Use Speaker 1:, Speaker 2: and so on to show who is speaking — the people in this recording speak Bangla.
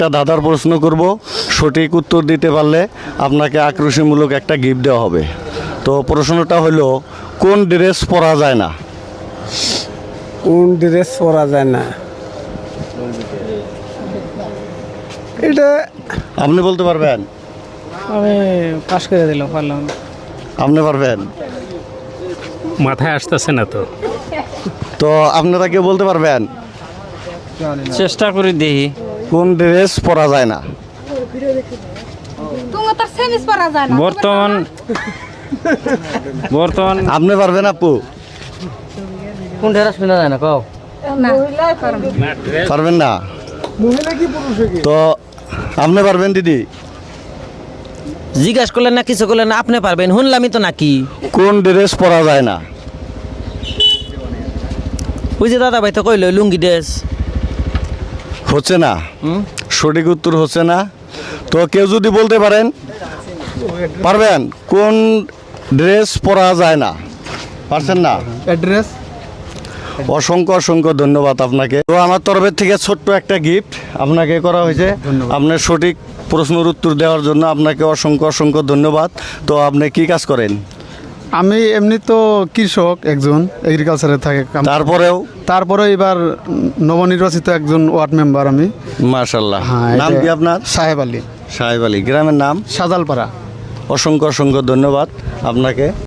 Speaker 1: একটা দাদার প্রশ্ন করব, সঠিক উত্তর দিতে পারলে আপনাকে আকর্ষণমূলক একটা গিফট দেওয়া হবে। তো প্রশ্নটা হলো, কোন ড্রেস পরা যায় না?
Speaker 2: কোন ড্রেস পরা যায় না, এটা
Speaker 1: আপনি বলতে পারবেন?
Speaker 3: আমি পাশ করে দিলাম, পারলাম না।
Speaker 1: আপনি পারবেন?
Speaker 4: মাথায় আসতেছে না তো।
Speaker 1: তো আপনারা কেউ বলতে পারবেন
Speaker 3: চেষ্টা করি দেখি।
Speaker 1: কোন ড্রেস পরা যায় না?
Speaker 5: তুমি তো সেমিস পরা যায় না
Speaker 3: বর্তমান
Speaker 1: আপনি পারবেন আপু?
Speaker 3: কোন ড্রেস পিনা যায় না কও?
Speaker 5: না
Speaker 1: পারবেন না? তো আপনি পারবেন দিদি?
Speaker 6: জিজ্ঞাসা করলেন না, কিছু করলেন না, আপনি পারবেন, শুনলামই তো নাকি।
Speaker 1: কোন ড্রেস পরা যায় না?
Speaker 6: ওই যে দাদা ভাই তো কইল লুঙ্গি ড্রেস।
Speaker 1: হচ্ছে না, সঠিক উত্তর হচ্ছে না। তো কেউ যদি বলতে পারেন, পারবেন কোন ড্রেস পরা যায় না? পারছেন না?
Speaker 2: অ্যাড্রেস।
Speaker 1: অসংখ্য অসংখ্য ধন্যবাদ আপনাকে। তো আমার তরফের থেকে ছোট্ট একটা গিফট আপনাকে করা হয়েছে আপনার সঠিক প্রশ্নের উত্তর দেওয়ার জন্য। আপনাকে অসংখ্য অসংখ্য ধন্যবাদ। তো আপনি কি কাজ করেন?
Speaker 2: আমি এমনি তো কৃষক, একজন এগ্রিকালচারে থাকে। তারপরে এবার নবনির্বাচিত একজন ওয়ার্ড মেম্বার আমি।
Speaker 1: মাশাআল্লাহ।
Speaker 2: হ্যাঁ,
Speaker 1: নাম কি আপনার?
Speaker 2: সাহেব আলী।
Speaker 1: সাহেব আলী। গ্রামের নাম?
Speaker 2: সাজালপাড়া।
Speaker 1: অসংখ্য অসংখ্য ধন্যবাদ আপনাকে।